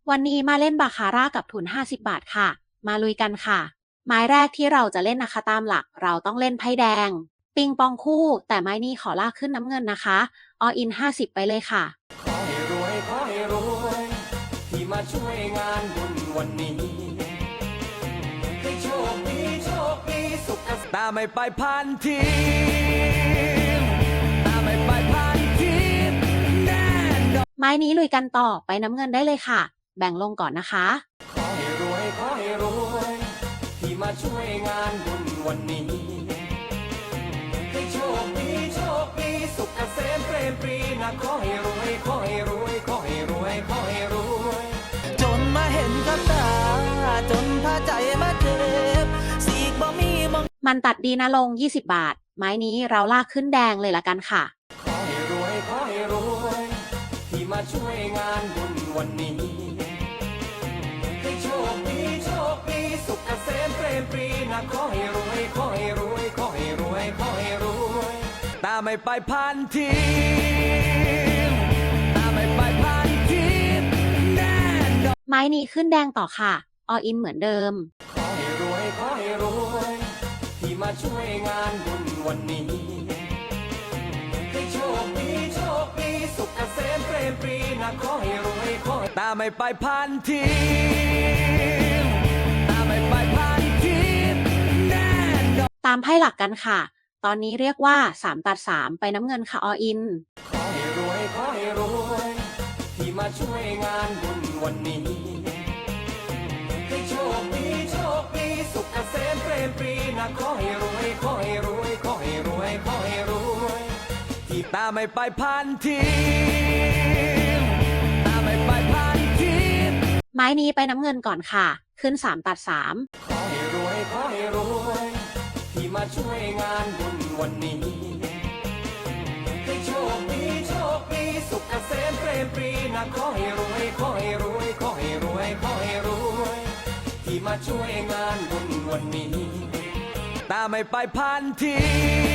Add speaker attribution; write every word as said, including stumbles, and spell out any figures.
Speaker 1: วันนี้มาเล่นบาคาร่ากับทุนห้าสิบบาทค่ะ มาลุยกันค่ะ ไม้แรกที่เราจะเล่นนะคะตามหลักเราต้องเล่นไพ่แดง ปิงปองคู่ แต่ไม้นี้ขอลากขึ้นน้ำเงินนะคะออินห้าสิบไปเลยค่ะ
Speaker 2: ขอให้รวยขอให้รวยที่มาช่วยงานบุญวันนี้ให้โชคดีโชคดีสุขตาไม่ไปพันทีตาไม่ไปพันทีแน่นอน
Speaker 1: ไม้นี้ลุยกันต่อไปน้ำเงินได้เลยค่ะ แบ่งลงก่อนนะคะ
Speaker 2: ขอให้รวยขอให้รวยที่มาช่วยงานบุญวันนี้ให้โชคดีโชคดีสุขเกษมเปรมปรีนะขอให้รวยขอให้รวยขอให้รวยขอให้รวยจนมาเห็นกับตาจนพาใจมาเจ็บสีกบ่มีมอง
Speaker 1: มันตัดดีนะลงยี่สิบบาท ไม้นี้เราลากขึ้นแดงเลยละกันค่ะ
Speaker 2: ขอให้รวยขอให้รวยที่มาช่วยงานบุญวันนี้ให้โชคดีโชคดีสุขเกษมเปรมปรีนะขอให้รวยขอให้รวยขอให้รวยขอให้รวยตาไม่ไปพันทีตาไม่ไปพันทีแน่นอน
Speaker 1: ไม้นี้ขึ้นแดงต่อค่ะออินเหมือนเดิม
Speaker 2: ขอให้รวยขอให้รวยที่มาช่วยงานบุญวันนี้ให้โชคดีโชคดีสุขเกษมเปรมปรีนะขอให้รวยขอให้ตาไม่ไปพันทีตาไม่ไปพันทีแน่นอน
Speaker 1: ตามไพ่หลักกันค่ะ ตอนนี้เรียกว่าสามตัดสามไปน้ำเงินค่ะออิน
Speaker 2: ขอให้รวยขอให้รวยที่มาช่วยงานบุญวันนี้ให้โชคดีโชคดีสุขเกษมเปรมปรีนะขอให้รวยขอให้รวยขอให้รวยขอให้รวยที่ตาไม่ไปพันทีตาไม่ไปพันที
Speaker 1: ไม้นี้ไปน้ำเงินก่อนค่ะ ขึ้นสามตัดสาม
Speaker 2: ขอให้รวยขอให้รวยที่มาช่วยงานบุญวันนี้ให้โชคดีโชคดีสุขเกษมเปรมปรีนะขอให้รวยขอให้รวยขอให้รวยขอให้รวยที่มาช่วยงานบุญวันนี้ตาไม่ไปพันที